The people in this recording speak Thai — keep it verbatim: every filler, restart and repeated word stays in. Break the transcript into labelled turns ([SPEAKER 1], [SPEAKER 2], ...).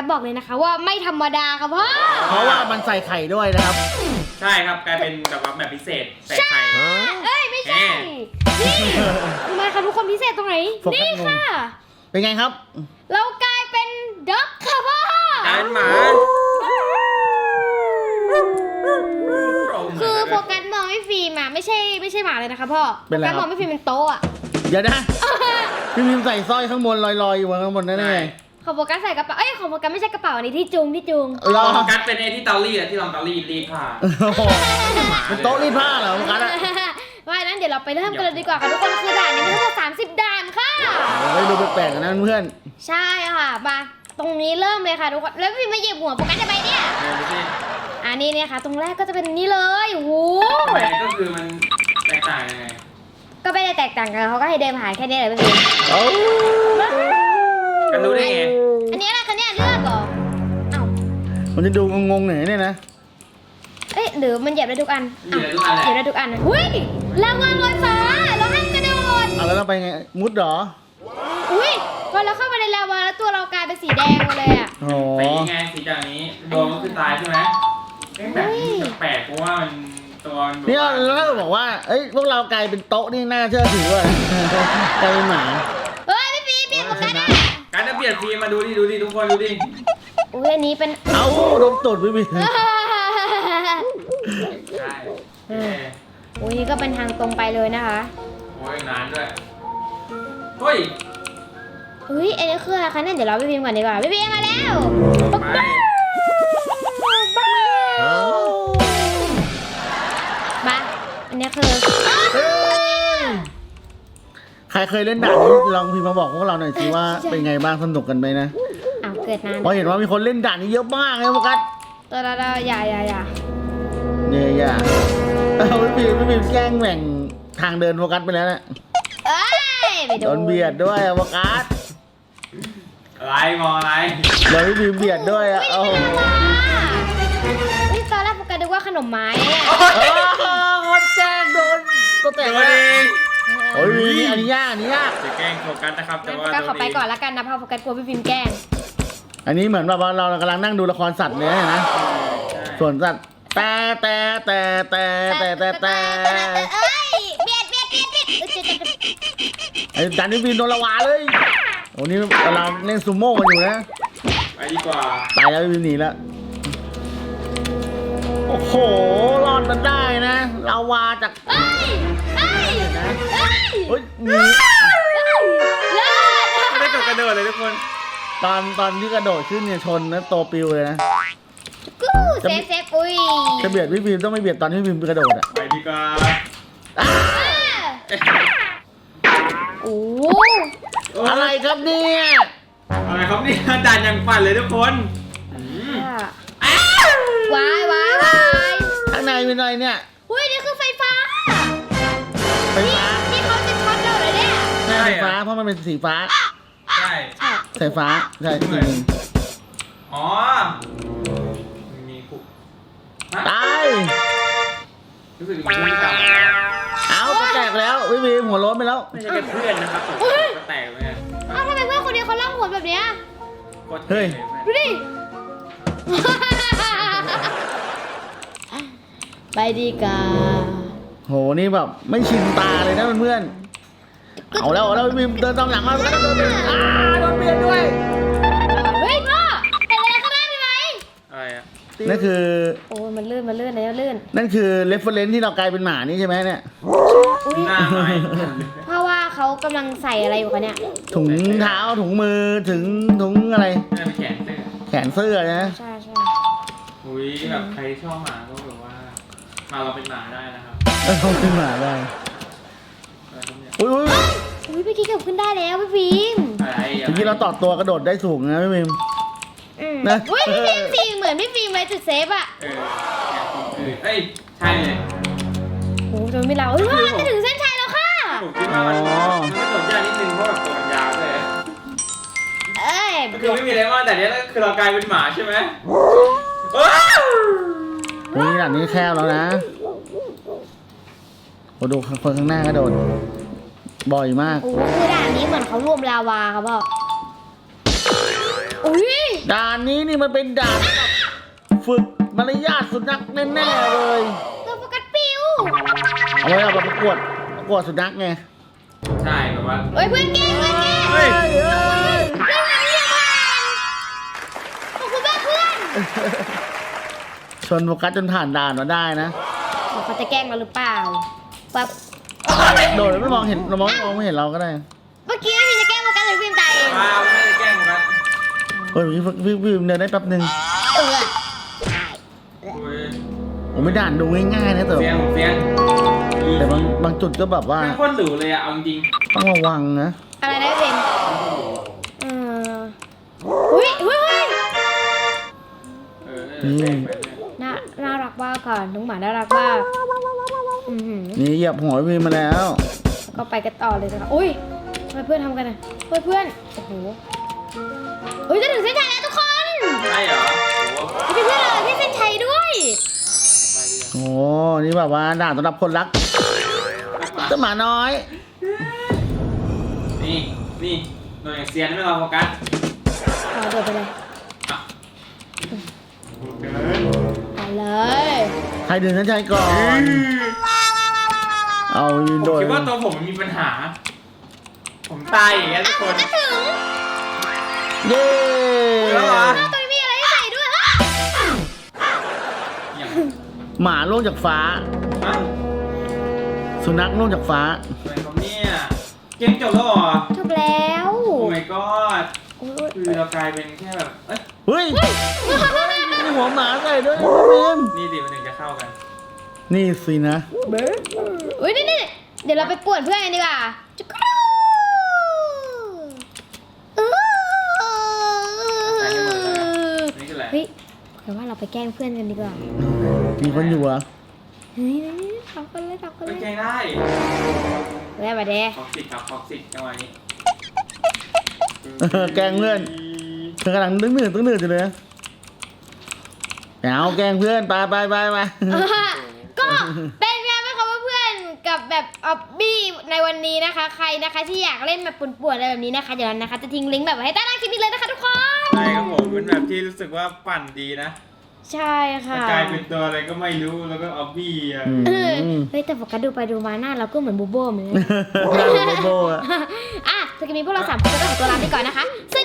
[SPEAKER 1] บอกเลยนะคะว่าไม่ธรรมดาครับพ่อ
[SPEAKER 2] เพราะว่ามันใส่ไข่ด้วยนะครับ
[SPEAKER 3] ใช่ครับกลายเป็นแบบว่าแบบพิเศษใส่ไข่
[SPEAKER 1] เอ้ยไม่ใช่นี่ทำไมคะทุกคนพิเศษตรงไหนนี่ค่ะ
[SPEAKER 2] เป็นไงครับ
[SPEAKER 1] เรากลายเป็นด็อกค่ะพ่อก
[SPEAKER 3] ลายเป็นหมา
[SPEAKER 1] คือโฟกัสมองไม่ฟิล์มอ่ะไม่ใช่ไม่ใช่หมาเลยนะคะพ่อโฟกัสมองไม่ฟิล์มเป็นโต๊ะอ่ะ
[SPEAKER 2] เดี๋ยวนะพี่พิมใส่สร้อยข้างบนลอยๆอยู่ข้างบนนั่นเอง
[SPEAKER 1] ของโฟกัสใส่กระเป๋าเอ้ยของโฟกัสไม่ใช่กระเป๋าอันนี้ที่จุงที่จุง
[SPEAKER 3] โฟกัสเป็นไอ้ที่เตารีดอะที่ลองเตารีดรีดผ้า
[SPEAKER 2] เป็นโต๊ะรีดผ้าเหรอโฟกัส
[SPEAKER 1] ว่านั้นเดี๋ยวเราไปเริ่มกันเลยดีกว่าค่ะทุกคนคือด่านนี้มีทั้งหมดสามสิบด่านค่ะ
[SPEAKER 2] เฮ้ยดูแปลกๆกันนะเพื่อน
[SPEAKER 1] ใช่ค่ะมาตรงนี้เริ่มเลยค่ะทุกคนแล้วพี่มาเหยียบหัวโฟกัสทำไมเนี่ยอันนี้เนี่ยค่ะตรงแรกก็จะเป็นนี่เลยโอ้โห
[SPEAKER 3] ทำไมก็คือมันแตกต่างยังไง
[SPEAKER 1] ก็ไม่ได้แตกต่างกันเขาก็ให้เดินผ่านแค่นี้แหละพี่
[SPEAKER 3] กันรู้ได้ไง
[SPEAKER 1] อันนี้อะไรคะเนี่ยเลือกเหรอเอ้า
[SPEAKER 2] มันจะดูงงๆหน่อยเนี่ยนะ
[SPEAKER 1] เอ๊ะหรือมันเหยียบได้ทุกอัน
[SPEAKER 3] เหยียบได้ทุกอันเห
[SPEAKER 1] ยียบได้ทุกอันหุ้ยรางวัลลอยฟ้าเราให้กระโดด
[SPEAKER 2] เอาแล้วเราไปไงมุดเหรอ
[SPEAKER 1] อุ้ยพอเราเข้ามาในลาวาแล้วตัวเรากลายเป็นสีแดงมาเลยอ่ะ
[SPEAKER 2] โอ้
[SPEAKER 3] ไปยังไงสีจากนี้โดนก็คือตายใช่ไหมแบบนี้แปลกเพราะว่ามันตัว
[SPEAKER 2] เนี่ยแล้วก็บอกว่าเอ้ยพวกเรากลายเป็นโต๊ะนี่น่าเชื่อถือว่ะกลายเป็นหมา
[SPEAKER 1] เฮ้ยพี่พีพี่ผมกันนะ
[SPEAKER 3] การจะเปลี่ยนทีมาดูดิดูดิทุกคนดูดิ
[SPEAKER 1] อุ้ยอันนี้เป็น
[SPEAKER 2] เอ้าโดนตุ่นพี่พี
[SPEAKER 3] ใช่
[SPEAKER 1] อุ้ยนี่ก็เป็นทางตรงไปเลยนะคะ
[SPEAKER 3] โอ้ยนานด้วยเฮ้ย
[SPEAKER 1] เฮ้ยอันนี้คืออะไรคะเนี่ยเดี๋ยวเราไปพิมพ์ก่อนดีกว่าพี่พีมาแล้ว
[SPEAKER 3] ไป
[SPEAKER 1] มาอันนี้คือ
[SPEAKER 2] ใครเคยเล่นด่านนี้ลองพิมพ์มาบอกพวกเราหน่อยสิว่าเป็นไงบ้างสนุกกันไหมนะ
[SPEAKER 1] อ้าวเกิดนาน
[SPEAKER 2] เพราะเห็นว่ามีคนเล่นด่านนี้เยอะมากเลยโฟกัส
[SPEAKER 1] ตัวเราเราอย่าอย่าอย่า
[SPEAKER 2] เนี่ยอย่าเอาพี่พิมพี่พิมแกล้งแหว่งทางเดินโฟกัสไปแล้วนะ
[SPEAKER 1] เอ้ย
[SPEAKER 2] โดนเบียดด้วยโฟกัส
[SPEAKER 3] อะไรมออะไร
[SPEAKER 2] เดี๋ยวพี่พิมเบียดด้วยอ่ะโอ้โห
[SPEAKER 1] นี่ตอนแรกโฟกัสนึกว่าขนมไม้เนี่ย
[SPEAKER 2] คนแจ้งโดนตัวแตกเลยโอ้ยอันนี้ยากอันนี้ยาก
[SPEAKER 3] จะแกล้งโฟกัสนะครับแต่ว่า
[SPEAKER 1] ก็ขอไปก่อนละกันนะเพราะโฟกัสกลัวพี่พิมแกล้ง
[SPEAKER 2] อันนี้เหมือนแบบว่าเรากำลังนั่งดูละครสัตว์เลยนะส่วนสัตว์แต่แต่แต่แต่แต่แต่แต่
[SPEAKER 1] เอ้ยเบียดเบียดเบียดเบียด
[SPEAKER 2] ไอ้ดันนี่บินโดนละวาเลยโอ้นี่เราเล่นซูโม่กันอยู่นะ
[SPEAKER 3] ไปดีกว่า
[SPEAKER 2] ตายแล้วบินหนีแล้วโอ้โหรอดมันได้นะลาวาจาก
[SPEAKER 1] เอ้ยเอ้ย
[SPEAKER 2] เฮ้ยมี
[SPEAKER 3] ไม่ได้กระโดดเลยทุกคน
[SPEAKER 2] ตอนตอนที่กระโดดขึ้นเนี่ยชนนะโตปิวเลยนะ
[SPEAKER 1] กูเซฟเซฟอุ้ย
[SPEAKER 2] จะเบียดพี่พิมต้องไม่เบียดตอนที่พิมกระโดดอ่ะ
[SPEAKER 3] ไปดีกว่า
[SPEAKER 1] โอ้
[SPEAKER 2] อะไรครับเนี่ย
[SPEAKER 3] อะไรครับนี่ด่านยังปั่นเลยทุกคน
[SPEAKER 1] วายวายวาย
[SPEAKER 2] ข้างในเป็นอะไรเนี่ย
[SPEAKER 1] อุ้ยนี่คือไฟฟ้า
[SPEAKER 2] ไฟฟ้า
[SPEAKER 1] นี่เขาจะช็อตเราเลยเนี่ย
[SPEAKER 2] ใช่ไฟฟ้าเพราะมันเป็นสีฟ้า
[SPEAKER 3] ใช่
[SPEAKER 2] ไฟฟ้าใช่จริง
[SPEAKER 3] อ๋อมีคุก
[SPEAKER 2] ตาย
[SPEAKER 3] รู้สึกมีคุกตาย
[SPEAKER 2] เอาก็แตกแล้ววิวีหัวล้นไปแล้ว
[SPEAKER 3] ไม่ใช่แค่เพื่อนนะครับผมก็แตกไปเนี่ย
[SPEAKER 1] อ้าวทำไมเพื่อนคนนี้เขาล่องหนแบบเนี้ย
[SPEAKER 2] เฮ้ย
[SPEAKER 1] ดูดิไปดีกา
[SPEAKER 2] โหนี่แบบไม่ชินตาเลยนะเพื่อนเอาแล้วเอาแล้ววิวีเดินตามหลังมาแล้วโดนเบียดอ้าโดนเบียดด้วย
[SPEAKER 1] เฮ้ยพ่อเป็นอะไรก็ได้ไหม
[SPEAKER 3] อะไรอ่ะ
[SPEAKER 2] นั่นคือ
[SPEAKER 1] โอ้มันลื่นมันลื่นแล้วลื่น
[SPEAKER 2] นั่นคือเรฟเฟอเรนซ์ที่เรากลายเป็นหมานี่ใช่ไหมเนี่ย
[SPEAKER 3] หน้าใหม่
[SPEAKER 1] เพราะว่าเขากำลังใส่อะไรอยู่คะเนี่ย
[SPEAKER 2] ถุงเท้าถุงมือถึงถุงอะไร
[SPEAKER 3] แขนเสื้อ
[SPEAKER 2] แขนเสื้อนะ
[SPEAKER 1] ใช่ใช่
[SPEAKER 3] อุ้ยแบบใครชอบหมาก็แบบว่ามาเราเป็นหมาได้นะครับ
[SPEAKER 2] เราเป็นหมาได้อุ้ย
[SPEAKER 1] อุ้ยพี่กิ๊กเกือบขึ้นได้แล้วพี่ฟิล์ม
[SPEAKER 2] เมื่อกี้เราต่อตัวกระโดดได้สูงนะพี่ฟิล์ม
[SPEAKER 1] นะอุ้ยพี่ฟิล์มสิเหมือนพี่ฟิล์มเลยจุดเซฟอ่ะ
[SPEAKER 3] เออเอ้ยใช่เลย
[SPEAKER 1] โอ้จนไม่เราเฮ้ยว่าจะถึงเส้นชัยแล้วค่ะ
[SPEAKER 3] ผมคิดว่ามันมันสนใจนิดนึงเพราะแบบตัวมันยาวเลย
[SPEAKER 1] เอ้ย
[SPEAKER 3] คือไม่มีอะไรมากแต่เนี้ยคือเรากลายเป็นหมาใช่ไหม
[SPEAKER 2] วันนี้ด่านนี้แคบแล้วนะโอ้ดูคนข้างหน้ากระโดดบ่อยมาก
[SPEAKER 1] โอ้คือด่านนี้เหมือนเขารวมลาวาครับพ่ออุ้ย
[SPEAKER 2] ด่านนี้นี่มันเป็นด่านฝึกมารยาทสุนัขแน่ๆเลย
[SPEAKER 1] ตัวโฟกัสปิว
[SPEAKER 2] เอาไว้เอาแบบประกวดประกวดสุนัขไง
[SPEAKER 3] ใช่แบบว่า
[SPEAKER 1] เฮ้ยเพื่อนเก่งเพื่อนเก่ง
[SPEAKER 3] เฮ้ย
[SPEAKER 2] เฮ้ย
[SPEAKER 1] เพื่อนมาเรียกผ่านขอบคุณมากเพื่อน
[SPEAKER 2] ชนโฟกัสจนผ่านด่านมาได้นะ
[SPEAKER 1] เดี๋ยวเขาจะแกล้งเราหรือเปล่าปั๊บ
[SPEAKER 2] โดดแล้วไม่มองเห็นเรามองมองไม่เห็นเราก็ได้
[SPEAKER 1] เมื่อกี้พี่จะแกล้งโฟกัสหรือพิมพ์ตายเอง
[SPEAKER 3] มาไม่ได้แกล้งกัน
[SPEAKER 2] เฮ้ยพี่พี่พี่เดินได้แป๊บนึง
[SPEAKER 1] เออ
[SPEAKER 3] โอ้ย
[SPEAKER 2] ผมไม่ด่านดูง่ายๆนะแต่
[SPEAKER 3] เฟียนเฟียน
[SPEAKER 2] แต่บางบางจุดก็แบบว่า
[SPEAKER 3] ไม่โคตรหรูเลยอะเอาจริง
[SPEAKER 2] ต้องระวังนะ
[SPEAKER 1] อะไรนะพี่พิมพ์เอออุ้ยอุ้ยเฮ้ย
[SPEAKER 3] เออแปลกไปเลย
[SPEAKER 1] น่าน่ารักมากก่อนน้องหมาน่ารักมากอือหือ
[SPEAKER 2] นี่เหยียบหัวพี่มาแล้ว
[SPEAKER 1] ก็ไปกันต่อเลยนะคะอุ้ยทำไมเพื่อนทำกันอ่ะเฮ้ยเพื่อนโอ้โหเฮ้ยจะถึงเส้นชัยแล้วทุกคน
[SPEAKER 3] ใช่เหรอโอ้โห
[SPEAKER 1] พี่เพื่อนเราที่เส้นชัยด้วย
[SPEAKER 3] ไปดีกว่า
[SPEAKER 2] โอ้นี่แบบว่าด่านสำหรับคนรักเจ้าหมาน้อย
[SPEAKER 3] นี่นี่หน่วยเซียนไม่รอโฟกัส
[SPEAKER 1] ขอโดดไปเลย
[SPEAKER 3] อ่ะเกิน
[SPEAKER 1] ไปเลย
[SPEAKER 2] ใครดึงนั้นใช้ก่อน เอายืน
[SPEAKER 3] ผม
[SPEAKER 2] โดด
[SPEAKER 3] คิดว่าตัวผมมันมีปัญหา ผมตายอย่างเงี้ยทุกคน
[SPEAKER 1] ก็ถึง
[SPEAKER 2] เย้
[SPEAKER 3] แล้วเหรอ
[SPEAKER 1] ตัวนี้มีอะไรให้ใส่ด้วยอ่ะ
[SPEAKER 3] อย่าง
[SPEAKER 2] หมาล่วงจากฟ้า
[SPEAKER 3] อ่ะ
[SPEAKER 2] สุนัขล่วงจากฟ้า
[SPEAKER 3] อะไรครับเนี่ยเกมจบแล้วเหรอ
[SPEAKER 1] จบแล้ว
[SPEAKER 3] โอ้ my god
[SPEAKER 1] โอ้ย
[SPEAKER 3] คือเรากลายเป็นแค่แบบ เอ้ย
[SPEAKER 2] เฮ้ยมีหัวหมาใส่ด้วยพี่พิม
[SPEAKER 3] นี่ดิมันถึงจะเข้ากัน
[SPEAKER 2] นี่สินะ
[SPEAKER 1] อุ้ยนี่นี่เดี๋ยวเราไปป่วนเพื่อนกันดีกว่าจุ๊กรูเอ
[SPEAKER 3] ใส่ให้หมดเลย
[SPEAKER 1] อ
[SPEAKER 3] นี่คืออะไร
[SPEAKER 1] เฮ้ยแต่ว่าเราไปแกล้งเพื่อนกันดีกว่า
[SPEAKER 2] มีคนอยู่เหรอ่ะ
[SPEAKER 1] เฮ้ยทำกันเลยทำกัน
[SPEAKER 3] ไม่
[SPEAKER 1] เลย
[SPEAKER 3] แกล้งได้
[SPEAKER 1] เรียกมาเด้
[SPEAKER 3] ท็อกซิกครับท็อกซิกจังหวะนี้
[SPEAKER 2] แกล้งเพื่อน เธอกำลังตึ้งหนืดตึ้งหนืดอยู่เลยนะเอาแกล้งเพื่อนไปไปไปไป
[SPEAKER 1] อ่าก็เป็นไงบ้างคะเพื่อนๆกับแบบออบบี้ในวันนี้นะคะ ใครนะคะที่อยากเล่นแบบป่วนๆอะไรแบบนี้นะคะเดี๋ยวเรานะคะจะทิ้งลิงก์แบบไว้ให้ใต้ล่างคลิปนี้เลยนะคะทุกคน
[SPEAKER 3] ใช่ครับผมเป็นแบบที่รู้สึกว่าปั่นดีนะ
[SPEAKER 1] ใช่ค่ะ
[SPEAKER 3] กลายเป็นตัวอะไรก็ไม่รู้แล้วก็ออบบี้อ่ะ
[SPEAKER 2] อืม
[SPEAKER 1] เออเฮ้ยแต่โฟกัสดูไปดูมาหน้าเราก็เหมือนบูโบเหมือนกัน
[SPEAKER 2] ได้โบโบอะ
[SPEAKER 1] อ่ะสกิปนี้พวกเราสามคนก็ต้องขอตัวลาไปก่อนนะคะส